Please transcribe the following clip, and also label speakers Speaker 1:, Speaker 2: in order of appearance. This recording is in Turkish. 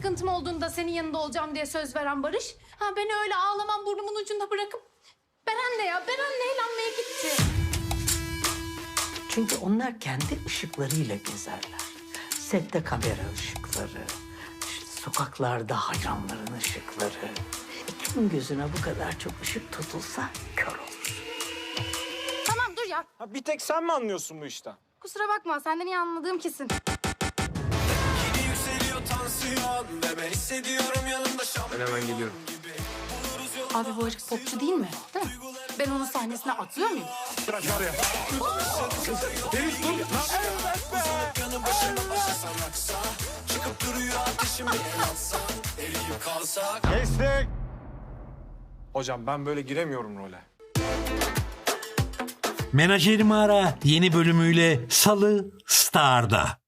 Speaker 1: sıkıntım olduğunda senin yanında olacağım diye söz veren Barış. Ha beni öyle ağlamam burnumun ucunda bırakıp Beren'le eğlenmeye gitti.
Speaker 2: Çünkü onlar kendi ışıklarıyla gezerler. Sette kamera ışıkları, işte sokaklarda hayranların ışıkları. Kimin gözüne bu kadar çok ışık tutulsa kör olur.
Speaker 1: Tamam dur ya.
Speaker 3: Ha, bir tek sen mi anlıyorsun bu işten?
Speaker 1: Kusura bakma senden iyi anladığım kesin.
Speaker 3: Ben hemen geliyorum.
Speaker 1: Abi bu herif popçu değil mi? Değil mi? Ben onun sahnesine atlıyor muyum?
Speaker 3: Bırak var ya. Deniz dur. Kestik. Hocam ben böyle giremiyorum role.
Speaker 4: Menajerimi Ara yeni bölümüyle Salı Star'da.